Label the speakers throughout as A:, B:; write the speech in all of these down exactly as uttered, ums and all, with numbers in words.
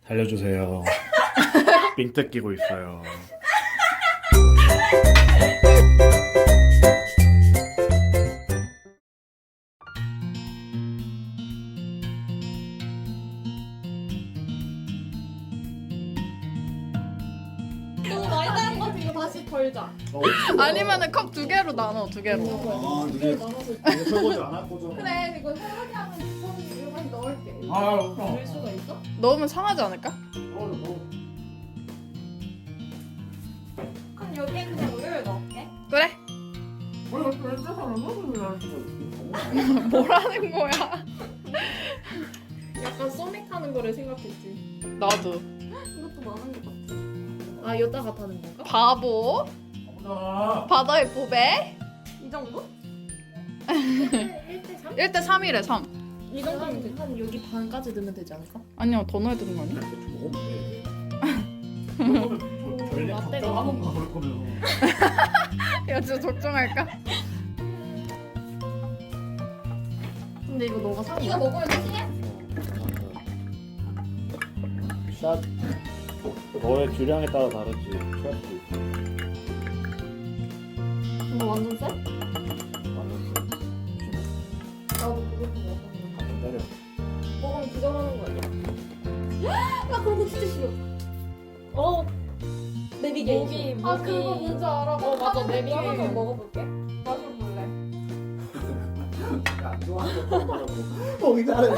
A: 살려주세요. 삥 뜯기고 있어요.
B: 너무 많이 따는 거 같으니까 다시 덜자.
C: 아니면은 컵 두 개로 나눠, 두 개로.
A: 아, 이게 이게 설거지 안 할 거죠?
B: 그래, 이거 설거지하면 저는 이거만 넣을게.
A: 아,
B: 넣을 수가 있어?
C: 넣으면 상하지 않을까?
B: 그럼 여기에 그냥 우유를 넣을게.
C: 그래. 뭐라는 거야?
B: 약간 소맥하는 거를 생각했지.
C: 나도.
B: 이것도 많은 것 같아. 아, 여자가 타는 건가?
C: 바보. 바다의 보배.
B: 이 정도? 일 대 삼?
C: 일 대 삼이래, 삼.
B: 이 정도면 되지. 한 여기 반까지 넣으면 되지 않을까?
C: 아니야, 더 넣어야 되는 거 아니야?
B: 라떼가
A: 한번 가볼 거면.
C: 야, 진짜 적정할까?
B: 근데 이거 너가 사 이거 먹으면 되지?
A: 샷. 너의 주량에 따라 다르지. 취할 수 있어.
B: 이거 완전 쎄?
A: 완전
B: 나도 그것도 먹어.
A: 기다려.
B: 먹으면 기절하는 거 아니야? 나 그런 거 진짜 싫어. 어. 내비게이션.
C: 모기,
B: 아,
C: 모기.
B: 그거 뭔지 알아.
C: 어, 맞아, 내비게이션.
B: 나도 좀 먹어볼게. 마셔볼래.
A: 안 좋아하는 거 먹더라고. 어, 기다려.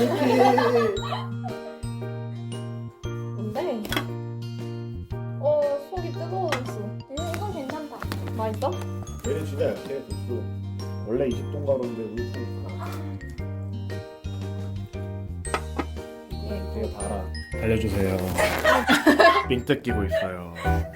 B: 뭔데? 어, 속이 뜨거워졌어. 음, 이건 괜찮다. 맛있어?
A: 얘는 진짜 약해. 도수. 원래 이십 도 가루인데 우유 뿌니까. 되게 달아. 살려주세요. 삥 뜯기고 있어요.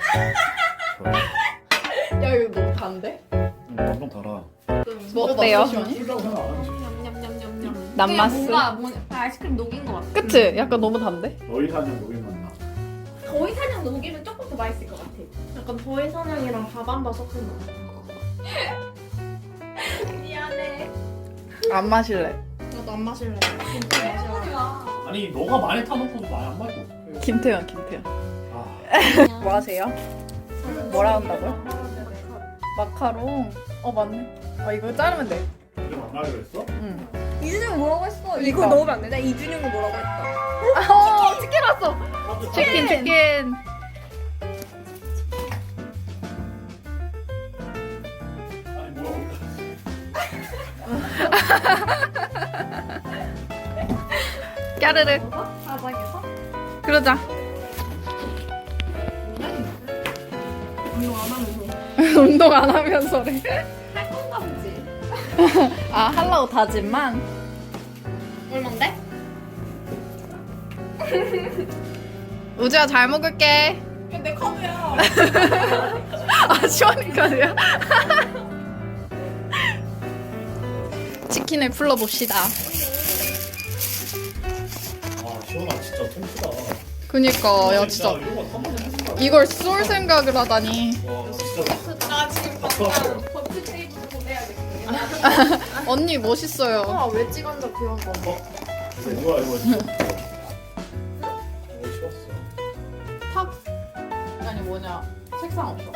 C: 야, 이거 너무 단데?
A: 음, 완전 달아.
C: 뭐 어때요?
A: 술이라고 생각 안 하지.
B: 냠냠냠냠냠.
C: 남마스.
B: 뭔가 뭐, 아이스크림 녹인 것 같아.
C: 그치? 약간 너무 단데?
A: 너희 사는 녹이 맛나.
B: 더위 사냥 녹이면 조금 더 맛있을 것 같아. 약간 더위 사냥이랑 밥 한 바 섞은 거. 미안해.
C: 안 마실래.
B: 나도 안 마실래. 진짜 마셔.
A: 아니 너가 많이 타놓고도 많이 안 마셔.
C: 김태현, 김태현.
A: 아,
C: 뭐 하세요? 뭐라 한다고요? 마카롱. 어, 맞네. 아, 이거 자르면 돼.
A: 이제 만나기로 했어?
C: 응.
B: 이준영 뭐라고 했어?
C: 그러니까.
B: 이거 넣으면 안 되냐? 이준영은 뭐라고 했어?
C: 어, 치킨 왔어. 치킨, 치킨.
A: 아니 뭐야 어디
C: 까르르.
B: 바닥에서?
C: 그러자.
B: 운동 안 하면서.
C: 운동 안 하면서래.
B: 할 건가 보지.
C: 아, 하려고 다짐만.
B: 얼만데?
C: 우주야, 잘 먹을게.
B: 내 컵이야.
C: 아, 시원하니까요. 치킨을 풀러봅시다.
A: 아 시원아 진짜 통수다.
C: 그니까, 야, 진짜.
A: 이거 한 번에 하는 거야.
C: 이걸 쏠 생각을 하다니.
A: 와 진짜
B: 나 지금
A: 박수하세요.
B: 버트 테이블 보내야겠어.
C: 언니 멋있어요.
B: 아, 왜 찍었나 그런 거.
A: 어? 이거 뭐야 이거 진짜. 이거 식었어.
C: 탑. 아니, 뭐냐. 책상 없어.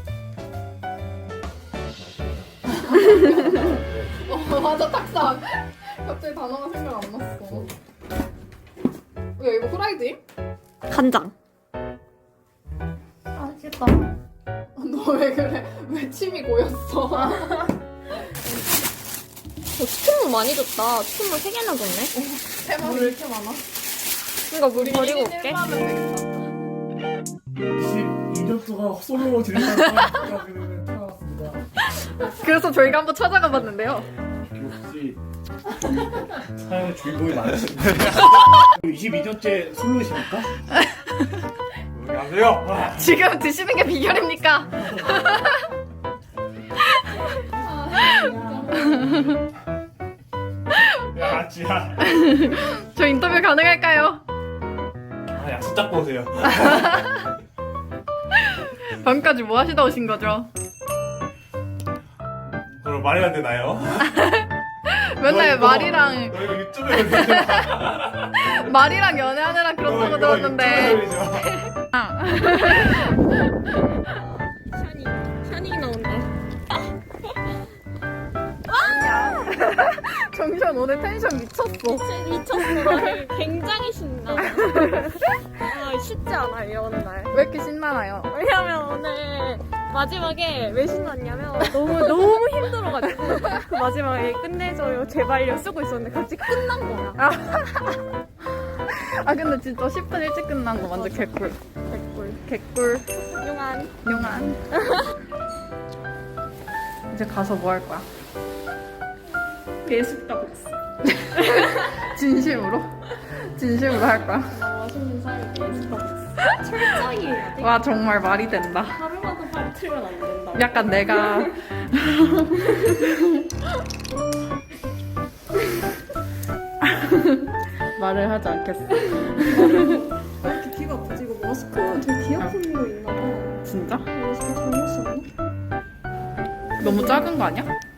C: 어, 맞아, 탁상. 갑자기 단어가 생각 안 났어. 야, 이거 후라이드임?
B: 간장. 아, 맛있겠다.
C: 너 왜 그래? 왜 침이 고였어?
B: 치킨물 많이 줬다. 치킨물 세 개나 줬네.
C: 세마리 왜 이렇게 많아?
B: 그러니까 물 버리고 올게.
A: 이십 년 솔로 진행하는 사람이 태어났습니다.
C: 그래서 저희가 한번 찾아가 봤는데요.
A: 역시 사연의 주인공이 많으십니다. 이십이 년째 솔로이십니까? 안녕하세요.
C: 지금 드시는 게 비결입니까?
A: 야, 지야.
C: 저 인터뷰 가능할까요?
A: 아, 약속 잡고 오세요.
C: 밤까지 뭐 하시다 오신 거죠?
A: 그럼 말이 안 되나요?
C: 맨날 말이랑
A: 너 이거 유튜브에 올리지 마.
C: 말이랑 연애하느라
A: 너
C: 그렇다고
A: 이거
C: 들었는데.
A: 유튜브에 올리지 마.
B: 샤니 샤니 나온다.
C: 정션 오늘 텐션 미쳤어.
B: 미쳤어. 나 굉장히 신나. 아, 쉽지 않아 이 오는 날.
C: 왜 이렇게 신나나요?
B: 왜냐면 오늘 마지막에 왜 신났냐면 너무 너무 힘들어가지고 그 마지막에 끝내줘요 제발요 쓰고 있었는데 갑자기 끝난 거야.
C: 아 근데 진짜 십 분 일찍 끝난 거 완전 개꿀.
B: 개꿀.
C: 개꿀.
B: 훌륭한.
C: 용안. 이제 가서 뭐 할 거야?
B: 배숙다고 했어.
C: 진심으로? 진심으로 할 거야?
B: 맛있는 사이 배숙다고 했어. 철저히 해야 돼.
C: 와 정말 말이 된다.
B: 하루라도 빠뜨리면 안 된다.
C: 약간 내가 말을 하지 않겠어.
B: 왜 이렇게 귀가 아프지고 마스크가 되게 귀 아픈 거 있나 봐.
C: 진짜?
B: 마스크 잘못 썼나?
C: 너무 작은 거 아니야?